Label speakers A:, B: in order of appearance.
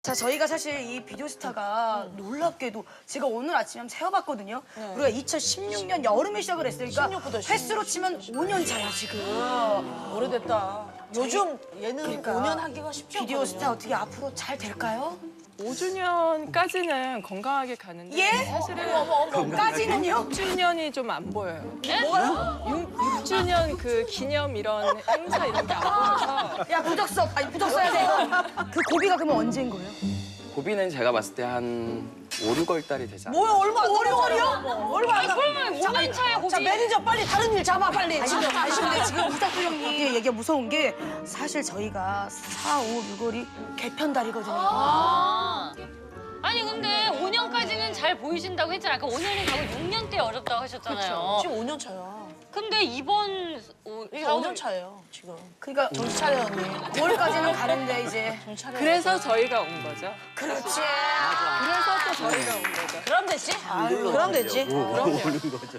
A: 자, 저희가 사실 이 비디오스타가 놀랍게도 제가 오늘 아침에 한번 세어봤거든요. 우리가 2016년 여름에 시작을 했으니까
B: 16부터
A: 횟수로 치면 5년 차야, 지금.
B: 오래됐다. 요즘 예능
A: 그러니까
B: 5년 하기가 쉽지 않거든요.
A: 비디오스타 어떻게 앞으로 잘 될까요?
C: 5주년까지는 건강하게 가는데
A: 예?
C: 사실은
A: 까지는요?
C: 6주년이 좀 안 보여요.
A: 뭐가요?
C: 6주년 그 기념 이런 행사 이런 게 안 보여서
A: 야, 부적 써. 아니, 부적 써야 돼. 그 고비가 그러면 언제인 거예요?
D: 고비는 제가 봤을 때 한 5, 6월 달이 되지 않을까.
B: 뭐야 얼마 안 남았잖아요. 얼마 안
E: 그러면 5년 차에 고비.
B: 자 매니저 빨리 다른 일 잡아 빨리. 지금
A: 근데 지금 우석수 형님 얘기가 무서운 게 사실 저희가 4, 5, 6월이 개편달이거든요.
E: 아니 근데 5년까지는 잘 보이신다고 했잖아요. 아까 5년이 가고 6년 때 어렵다고 하셨잖아요.
B: 지금 5년 차야.
E: 근데 이번
B: 이게
E: 4월
B: 5년 차예요 지금.
A: 그러니까
B: 정신 차려 언니.
A: 5월까지는 가는데 이제.
B: 정신 차려.
C: 그래서 저희가 온 거죠.
A: 그렇지.
C: 그래서 또 저희가 온 거죠.
B: 그럼 됐지? 그럼 됐지. 그럼요.